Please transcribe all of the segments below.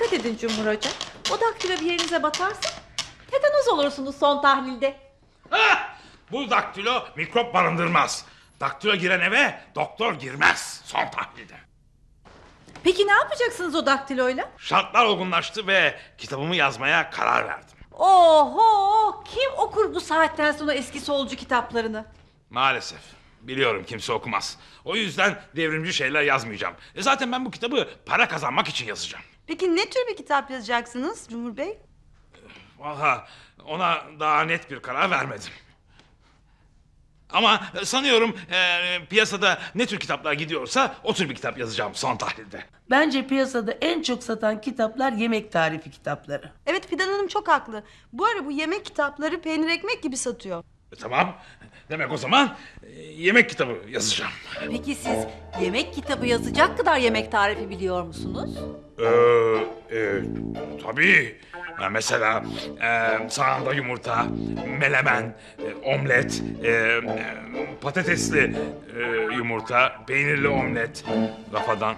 dikkat edin Cumhur Hoca. O daktilo bir yerinize batarsa tetanoz olursunuz son tahlilde. Hah! Bu daktilo mikrop barındırmaz. Daktilo giren eve doktor girmez son tahlilde. Peki ne yapacaksınız o daktiloyla? Şartlar olgunlaştı ve kitabımı yazmaya karar verdim. Oho! Kim okur bu saatten sonra eski solcu kitaplarını? Maalesef. Biliyorum kimse okumaz. O yüzden devrimci şeyler yazmayacağım. Zaten ben bu kitabı para kazanmak için yazacağım. Peki ne tür bir kitap yazacaksınız Cumhur Bey? Vallahi ona daha net bir karar vermedim. Ama sanıyorum piyasada ne tür kitaplar gidiyorsa o tür bir kitap yazacağım son tahlilde. Bence piyasada en çok satan kitaplar yemek tarifi kitapları. Evet, Fidan Hanım çok haklı. Bu ara bu yemek kitapları peynir ekmek gibi satıyor. Tamam. Demek o zaman yemek kitabı yazacağım. Peki siz yemek kitabı yazacak kadar yemek tarifi biliyor musunuz? Tabii. Mesela sağında yumurta, melemen, omlet, patatesli yumurta, peynirli omlet, rafadan.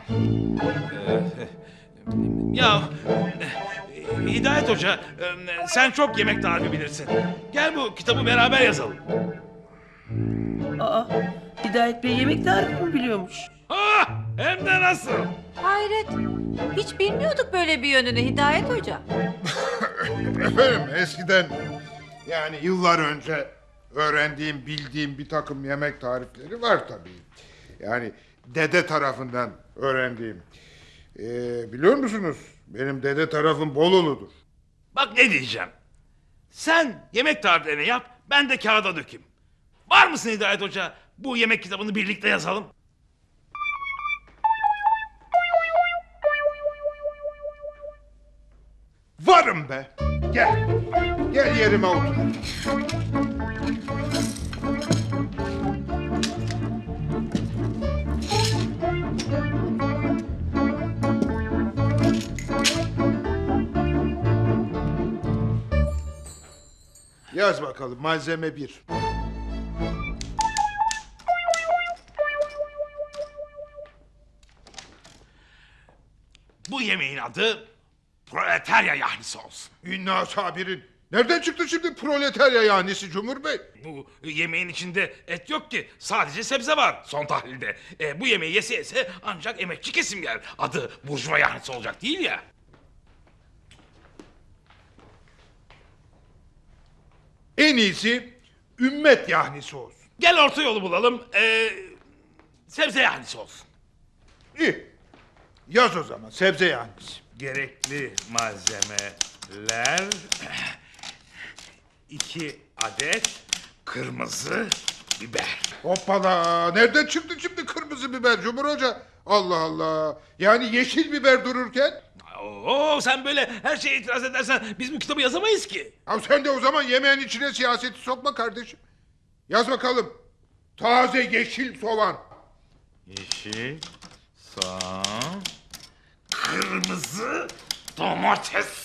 Ya Hidayet Hoca, sen çok yemek tarifi bilirsin. Gel bu kitabı beraber yazalım. Aa, Hidayet Bey yemek tarifi mi biliyormuş? Ha, hem de nasıl? Hayret. Hiç bilmiyorduk böyle bir yönünü Hidayet Hoca. Efendim eskiden yani yıllar önce öğrendiğim, bildiğim bir takım yemek tarifleri var tabii. Yani dede tarafından öğrendiğim. Biliyor musunuz? Benim dede tarafım Bolulu'dur. Bak ne diyeceğim. Sen yemek tariflerini yap, ben de kağıda dökeyim. Var mısın Hidayet Hoca? Bu yemek kitabını birlikte yazalım. Varım be. Gel. Gel yerime otur. Yaz bakalım malzeme 1. Bu yemeğin adı proletarya yahnisi olsun. İnna sabirin. Nereden çıktı şimdi proletarya yahnisi Cumhur Bey? Bu yemeğin içinde et yok ki. Sadece sebze var son tahlilde. Bu yemeği yese yese ancak emekçi kesim yer. Adı burjuva yahnisi olacak değil ya. En iyisi ümmet yahnisi olsun. Gel orta yolu bulalım. Sebze yahnisi olsun. İyi. Yaz o zaman sebze yahnisi. Gerekli malzemeler 2 adet kırmızı biber. Hoppala. Nereden çıktı şimdi kırmızı biber Cumhur Hoca? Allah Allah. Yani yeşil biber dururken? Oo, sen böyle her şeye itiraz edersen biz bu kitabı yazamayız ki. Ya sen de o zaman yemeğin içine siyaseti sokma kardeşim. Yaz bakalım. Taze yeşil soğan. Yeşil, soğan, kırmızı domates.